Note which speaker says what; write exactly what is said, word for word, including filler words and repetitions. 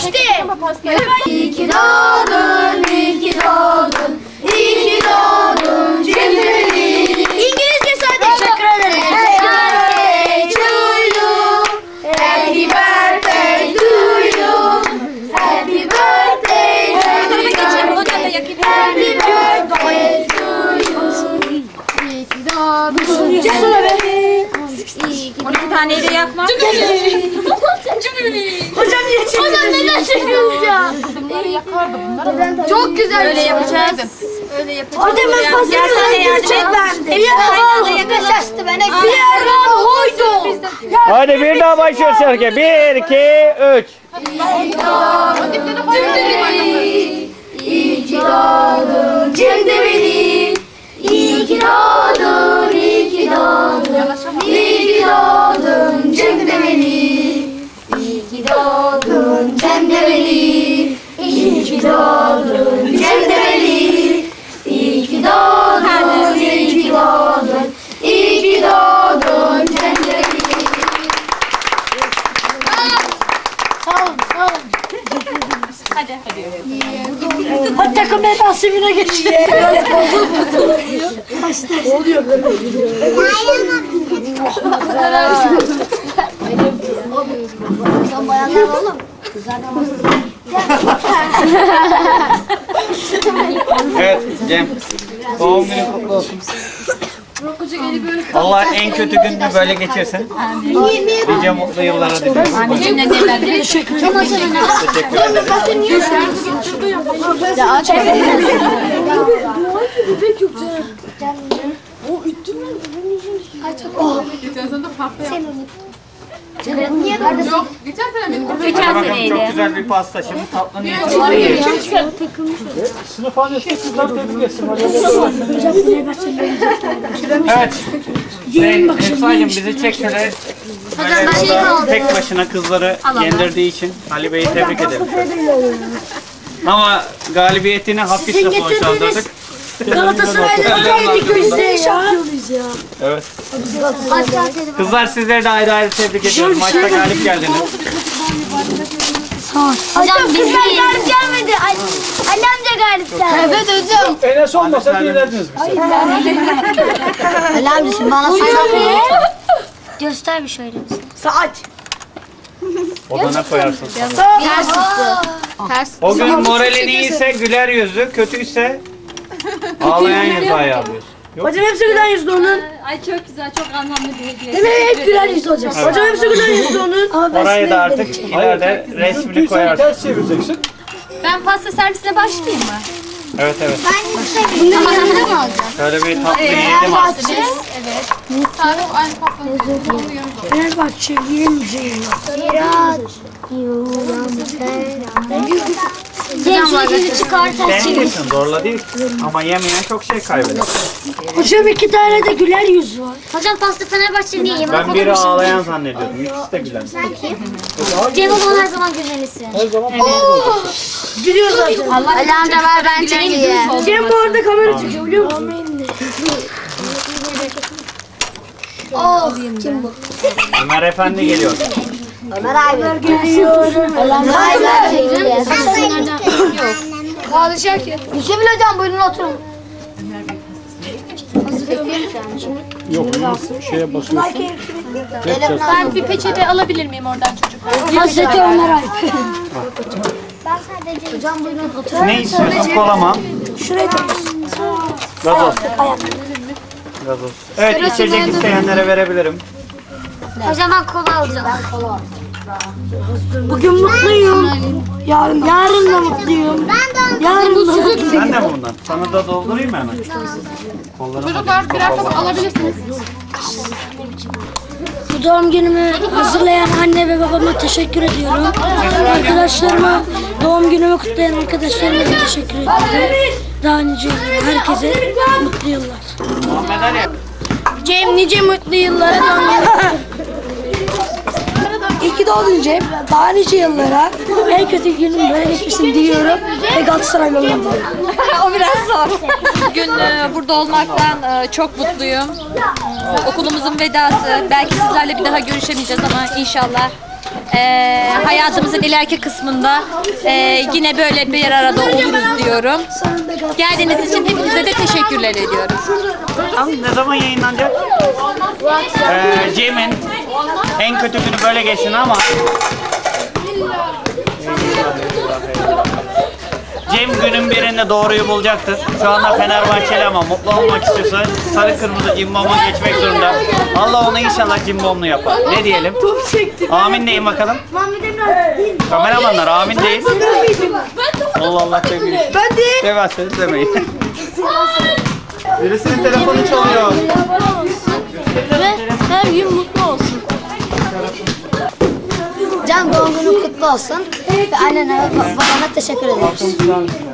Speaker 1: geçti. İyi ki doğdun, iyi ki doğdun, iyi ki doğdun Cemre'li. İngilizce sadece. Teşekkür ederim. Happy birthday to you. Happy birthday to you. Happy birthday to you. İyi ki doğdun.
Speaker 2: on iki taneyi de yakma.
Speaker 1: Hocam niye çekiyorsunuz? Hocam neden çekiyorsunuz ya?
Speaker 2: Bunları yakardı bunları.
Speaker 1: Çok güzel.
Speaker 2: Öyle yapacağız. Öyle yapacağız.
Speaker 1: Hocam ben fazla gerçekten. Bir yerden yaklaştı bana. Bir yerden hoydu.
Speaker 3: Hadi bir daha başlıyoruz şarkıya. Bir, iki, üç.
Speaker 1: İyi ki doğdun Cemre'li. İyi ki doğdun, iyi ki doğdun. İyi ki doğdun Cemre'li. İyi ki doğdun Cemre'li. İyi ki doğdun Cemre'li. İyi ki doğdun, iyi ki doğdun. İyi ki doğdun Cemre'li. Sağ olun, sağ olun.
Speaker 2: Hadi hadi.
Speaker 1: Hadi takım bedası güne geçti. Oluyor böyle. Sen bayanlar oğlum.
Speaker 3: Evet Cem. Doğum günün kutlu olsun. Allah en kötü gününü böyle geçirsin. Nice mutlu yıllara diliyorum.
Speaker 2: Anneciğim ne derler? Teşekkür ederim.
Speaker 3: Teşekkür ederim.
Speaker 2: Ya aç.
Speaker 1: Bebek yok canım. O üttün mü?
Speaker 4: Geçen sene de pasta
Speaker 1: Sen
Speaker 4: yaptım.
Speaker 1: onu. Niye kardeşim?
Speaker 4: Yok, geçen sene benim.
Speaker 3: Hadi
Speaker 2: Geçen
Speaker 3: bakalım, çok
Speaker 2: seneydi.
Speaker 3: güzel bir pasta. Şimdi tatlını
Speaker 5: Sınıf annesi kızlar tebrik etsin.
Speaker 3: Evet. Zeyn, Efsa'cığım bizi çek şöyle. Böyle burada tek başına kızları yendirdiği için Ali Bey'i tebrik ederim. Ama galibiyetini hafifle sonuçlandırdık.
Speaker 1: Galatasaray'da yedik gözde şampiyonuz ya.
Speaker 3: Evet. Kızlar sizleri de ayrı ayrı tebrik ediyorum. Maçta galip geldiniz.
Speaker 1: Hocam biz galip gelmedi. Ali amca galip geldi. Evet hocam.
Speaker 5: Enes olmasa dinlerdiniz bizi.
Speaker 1: Ali amca şimdi bana saat göster bir şöyle. Saat.
Speaker 3: Odana koyarsın.
Speaker 1: Ters tuttu.
Speaker 2: Ters.
Speaker 3: O gün moralin iyiyse güler yüzlü, kötüyse ağlayan yüzü ayarlıyorsun.
Speaker 1: Hocam hepsi gülen yüzlü onun.
Speaker 2: Ay çok güzel, çok anlamlı bir hediye.
Speaker 1: Değil mi? Hep gülen yüzlü olacak. Hocam hepsi gülen yüzlü onun.
Speaker 3: Orayı da artık ileride resmini
Speaker 5: Kötüysen
Speaker 3: koyarsın.
Speaker 5: ters çevireceksin.
Speaker 2: Ben pasta servisine başlayayım mı?
Speaker 3: Evet evet.
Speaker 1: Bunları yanında mı alacağız?
Speaker 3: Şöyle bir tatlı yiyelim artık.
Speaker 4: Sadece aynı pastanın sonunu yanımda.
Speaker 1: Fenerbahçe yiyemeyeceğim. Cem şu ikini çıkar ters çevir.
Speaker 3: Dengesin, zorla değil. Ama yemeyen çok şey kaybeder.
Speaker 1: Hocam iki tane de güler yüz var. Hocam pasta Fenerbahçe niye yemek
Speaker 3: Ben biri ağlayan zannediyordum. İkisi de gülen.
Speaker 1: Cem o zaman her zaman gülmelisin.
Speaker 5: Her zaman
Speaker 1: Gülüyor zaten. Ali amca var ben çekeyim. Cem bu arada kamera çekiyor biliyor musun? Oh kim bu?
Speaker 3: Ömer Efendi geliyor.
Speaker 1: Ömer abi. Geliyor. Ömer abi. Yok. Hadi Şakir. Yusuf'la hocam buyurun oturun.
Speaker 5: yok. Şeye basıyorsun.
Speaker 2: Ben bir peçete alabilir miyim oradan çocuklar?
Speaker 1: Hazreti Ömer abi. Ben sadece hocam buyurun oturun.
Speaker 3: Ne istiyorsun? Kola mı?
Speaker 1: Şuraya da.
Speaker 3: Gazoz. Gazoz. Evet, içecek isteyenlere verebilirim.
Speaker 1: Hocam ben kola alacağım. Ben kola alacağım. Bugün mutluyum. Yarın, yarın da mutluyum. Ben de yarın da mutluyum.
Speaker 3: Sen de mi bundan? Sana da doldurayım mı hemen? Kollarıma
Speaker 4: Çocuklar birer pasta alabilirsiniz.
Speaker 1: Bu doğum günümü hazırlayan anne ve babama teşekkür ediyorum. Arkadaşlarıma, doğum günümü kutlayan arkadaşlarıma da teşekkür ediyorum. Daha nice yıllar, herkese mutlu yıllar.
Speaker 3: Muhammed Ali.
Speaker 1: Cem nice mutlu yıllara İyi ki doğdun Cem. Daha nice yıllara. En kötü günün böyle geçmesin diyorum. Ve Galatasaraylı olmam diliyorum.
Speaker 2: O biraz zor. Bugün e, burada olmaktan e, çok mutluyum. E, okulumuzun vedası. Belki sizlerle bir daha görüşemeyeceğiz ama inşallah Ee, hayatımızın ileriki kısmında e, yine böyle bir arada oluruz diyorum. Geldiğiniz için hepinize de teşekkürler ediyorum.
Speaker 3: Tam ne zaman yayınlanacak? Ee, Cem'in en kötü günü böyle geçsin ama Cem günün birinde doğruyu bulacaktır. Şu anda Fenerbahçeli ama mutlu olmak istiyorsa sarı kırmızı cimbom'a geçmek zorunda. Allah onu inşallah cimbomlu yapar. Ne diyelim? Amin deyin bakalım. Kameramanlar amin deyin. Allah Allah demeyin. Ben de. Demezseniz demeyin. Birisinin telefonu çalıyor.
Speaker 1: Ve her gün mutlu olsun.
Speaker 6: Can doğum günün kutlu olsun. Ve annene ve babana teşekkür ederiz.